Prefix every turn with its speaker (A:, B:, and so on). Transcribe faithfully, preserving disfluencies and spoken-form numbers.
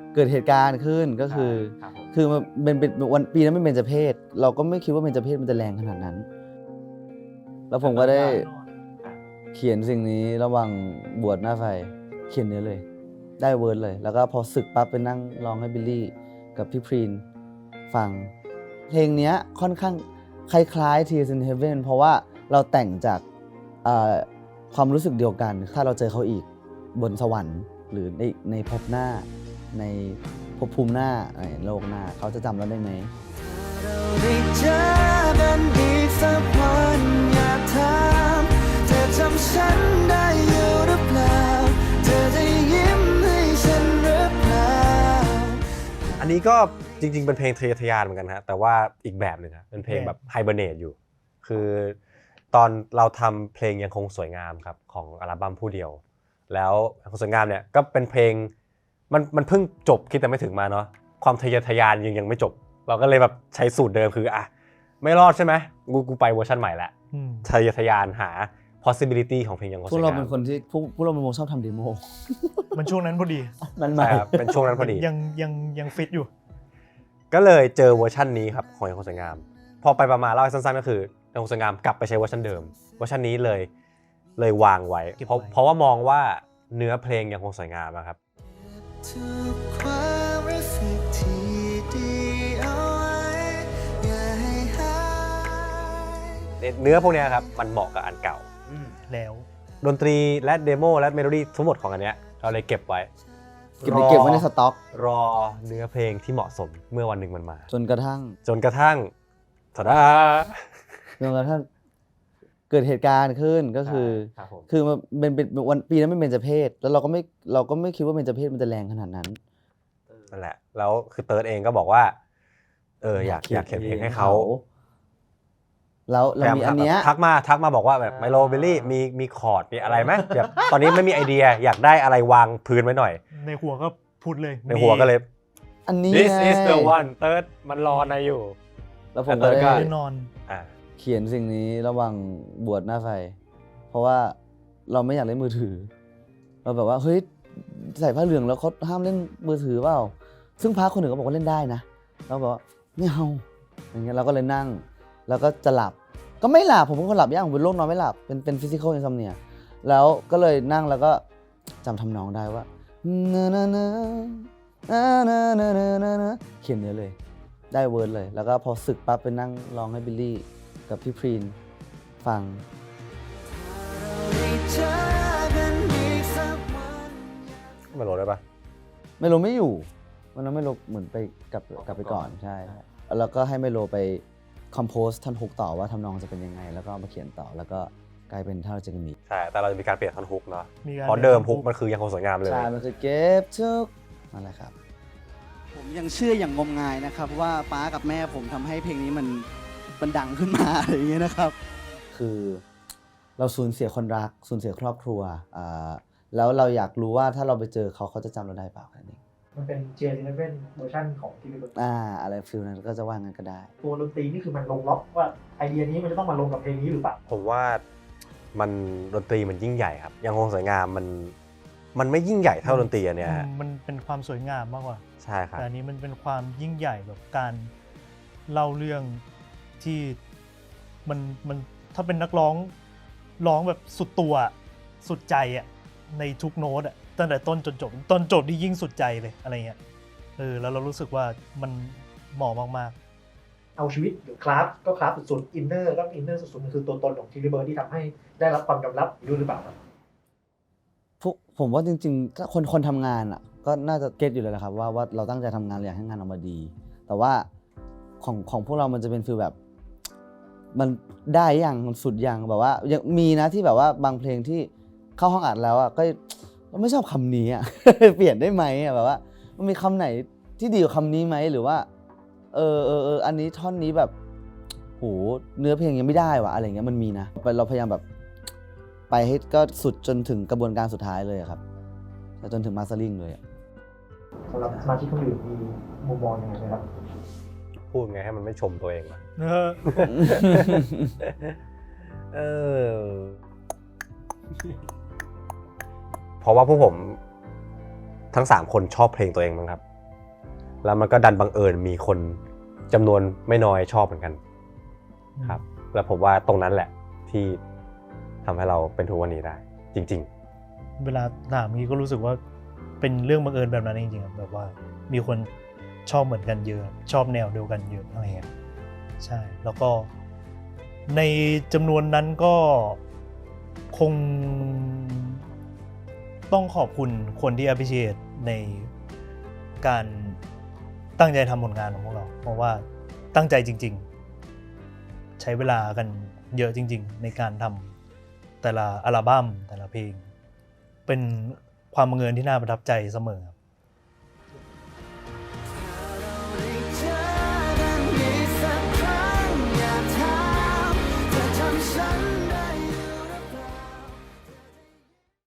A: เกิดเหตุการณ์ขึ้นก็คือคือมันเป็นวันปีนั้นไม่เป็นเบญจเพศเราก็ไม่คิดว่าเบญจเพศมันจะแรงขนาดนั้นแล้วผมก็ได้เขียนสิ่งนี้ระหว่างบวชหน้าไฟเขียนเนื้อเลยได้เวิร์ดเลยแล้วก็พอศึกปั๊บไปนั่งร้องให้บิลลี่กับพี่พรีนฟังเพลงนี้ค่อนข้างคล้ายๆ Tears in Heaven เพราะว่าเราแต่งจากความรู้สึกเดียวกันถ้าเราเจอเขาอีกบนสวรรค์หรือในในภพหน้าในภพภูมิหน้าในโลกหน้าเขาจะจำเราได้ไหมเราได้เจอกันอีกสักวันอยากถามเธอจำฉันได้อยู่หรือเปล่าเธอจะยิ้มให้ฉันหรือเปล่า
B: อันนี้ก็จริงๆเป็นเพลงทะเยอทะยานเหมือนกันฮะแต่ว่าอีกแบบหนึ่งครับเป็นเพลงแบบไฮเบอร์เนตอยู่คือตอนเราทำเพลงยังคงสวยงามครับของอัลบั้มผู้เดียวแล้วยังคงสวยงามเนี่ยก็เป็นเพลงมันมันเพิ่งจบคิดแต่ไม่ถึงมาเนาะความทะเยอทะยานยังยังไม่จบเราก็เลยแบบใช้สูตรเดิมคืออ่ะไม่รอดใช่ไหมกูกูไปเวอร์ชันใหม่ละทะเยอทะยานหา possibility ของเพลงยังคงสวยงามพวกเราเป็นคนที่พวกพวกเราเป็นวงชอบทำเดโม
C: มันช่วงนั้นพอดี
A: มันใหม่
B: เป็นช่วงนั้นพอดี
C: ยังยังยังฟิตอยู่
B: ก็เลยเจอเวอร์ชันนี้ครับของยังคงสวยงามพอไปประมาณเล่าให้สั้นๆก็คือยังคงสวยงามกลับไปใช้เวอร์ชันเดิมเวอร์ชันนี้เลยเลยวางไว้เพราะเพราะว่ามองว่าเนื้อเพลงยังคงสวยงามครับเนื้อพวกนี้ครับมันเหมาะกับอันเก่า
C: แล้ว
B: ดนตรีและเดโมและเมโลดี้ทั้งหมดของอันเนี้ยเราเลยเก็บไว้
A: เก็บเก็บไว้ในสต็อก
B: รอเนื้อเพลงที่เหมาะสมเมื่อวันหนึ่งมันมา
A: จนกระทั่ง
B: จนกระทั่งทะดา
A: จนกระทั่งเกิดเหตุการณ์ขึ้นก็คือคือมันเป็นวันปีนั้นไม่เป็นเบญจเพศแล้วเราก็ไม่เราก็ไม่คิดว่าเบญจเพศมันจะแรงขนาดนั้น
B: นั่นแหละแล้วคือเติร์ดเองก็บอกว่าเอออยากอยากเขียนเพลงให้เขา
A: แล้วเรามีอันเนี้ย
B: ทักมาทักมาบอกว่าแบบไมโลบิลลี่มีมีคอร์ดมีอะไรไหมแบบตอนนี้ไม่มีไอเดียอยากได้อะไรวางพื้นไว้หน่อย
C: ในหัวก็พูดเลย
B: ในหัวก็เลย
A: อันนี้
B: This is the one เติร์ดมันรอในอยู่
A: แล้วผมก็ได้
C: นอน
A: เขียนสิ่งนี้ระหว่างบวชหน้าไฟเพราะว่าเราไม่อยากเล่นมือถือเราแบบว่าเฮ้ยใส่ผ้าเหลืองแล้วเขาห้ามเล่นมือถือเปล่าซึ่งพระคนหนึ่งก็บอกว่าเล่นได้นะเราบอกว่าไม่เอาอย่างเงี้ยเราก็เลยนั่งแล้วก็จะหลับก็ไม่หลับผมเป็นคนหลับยากผมเป็นโรคนอนไม่หลับเป็นเป็นฟิสิคอลอินซอมเนียแล้วก็เลยนั่งแล้วก็จำทำนองได้ว่าเขียนเนื้อเลยได้เวิร์ดเลยแล้วก็พอศึกปั๊บไปนั่งร้องให้บิลลี่กับพี่พรีนฟัง
B: ไม่รู้ได้ปะ
A: ไม่รู้ไม่อยู่วันนั้นไม่รู้เหมือนไปกลับกลับไปก่อนใช่แล้วก็ให้ไมโลไปคอมโพสท่อนฮุกต่อว่าทำนองจะเป็นยังไงแล้วก็มาเขียนต่อแล้วก็กลายเป็นท่าเราจะมี
B: ใช่แต่เราจะมีการเปลี่ยนท่อนฮุกเนาะเพราะเดิมฮุกมันคือยังคงสวยงามเลย
A: ใช่มันคือเก็บทุกนั่นแหละครับ
D: ผมยังเชื่ออย่างงมงายนะครับว่าป้ากับแม่ผมทำให้เพลงนี้มันมันดังขึ้นมาอะไรอย่างเงี้ยนะครับ
A: คือเราสูญเสียคนรักสูญเสียครอบครัวอ่าแล้วเราอยากรู้ว่าถ้าเราไปเจอเขาเขาจะจำเราได้เปล่าแค่นี้
E: มันเป็น เจ เอ สิบเอ็ด เวอร์ชันของที่เป็น
A: อ่าอะไรฟิลนั้นก็จะว่างั้นก็ได้
E: ตัวดนตรีนี่คือมันลงล็อกว่าไอเดียนี้มันจะต้องมาลงกับเพลงนี้หรือเปล่า
B: ผมว่ามันดนตรีมันยิ่งใหญ่ครับยังคงสวยงามมันมันไม่ยิ่งใหญ่เท่าดนตรีอันเนี้ย
C: มันเป็นความสวยงามมากกว่า
B: ใช่ครับ
C: แต่อันนี้มันเป็นความยิ่งใหญ่แบบการเล่าเรื่องที่มันมันถ้าเป็นนักร้องร้องแบบสุดตัวสุดใจอ่ะในทุกโน้ตอ่ะตั้งแต่ต้นจนจบตอนจบนี่ยิ่งสุดใจเลยอะไรเงี้ยเออแล้วเรารู้สึกว่ามันเหมาะมาก
E: ๆเอาชีวิตหรือคลาสก็คลาสสุดๆอินเนอร์ก็อินเนอร์สุดๆมันคือตัวตนของทีรีเบิร์ดที่ทำให้ได้รับความยอมรับด้วยหรือเปล่าครับ
A: พวกผมว่าจริงๆถ้าคนคนทำงานอ่ะก็น่าจะเก็ตอยู่เลยแหละครับว่าว่าเราตั้งใจทำงานอยากให้งานออกมาดีแต่ว่าของของพวกเรามันจะเป็นฟีลแบบมันได้ยังมันสุดยังแบบว่ายังมีนะที่แบบว่าบางเพลงที่เข้าห้องอัดแล้วอ่ะก็เราไม่ชอบคำนี้อ่ะ เปลี่ยนได้ไหมอ่ะแบบว่ามันมีคำไหนที่ดีกว่าคำนี้ไหมหรือว่าเออเออเอออันนี้ท่อนนี้แบบโหเนื้อเพลงยังไม่ได้ว่ะอะไรเงี้ยมันมีนะเราพยายามแบบไปให้ก็สุดจนถึงกระบวนการสุดท้ายเลยครับจนถึงมาสเตอร์ลิงเลย
E: สำหรับสมาชิกคนอื่นมีมุมมองยังไงไหมครับ
B: พูดไงให้มันไม่ชมตัวเองวะเออเพราะว่าพวกผมทั้งสามคนชอบเพลงตัวเองมั้งครับแล้วมันก็ดันบังเอิญมีคนจำนวนไม่น้อยชอบเหมือนกันครับแล้วผมว่าตรงนั้นแหละที่ทำให้เราเป็นทุกวันนี้ได้จริงๆ
C: เวลาถามนี้ก็รู้สึกว่าเป็นเรื่องบังเอิญแบบนั้นจริงๆครับแบบว่ามีคนชอบเหมือนกันเยอะชอบแนวเดียวกันเยอะอะไรเงี้ยใช่แล้วก็ในจำนวนนั้นก็คงต้องขอบคุณคนที่ appreciate ในการตั้งใจทำผลงานของพวกเราเพราะว่าตั้งใจจริงๆใช้เวลากันเยอะจริงๆในการทำแต่ละอัลบั้มแต่ละเพลงเป็นความบังเอิญที่น่าประทับใจเสมอครับ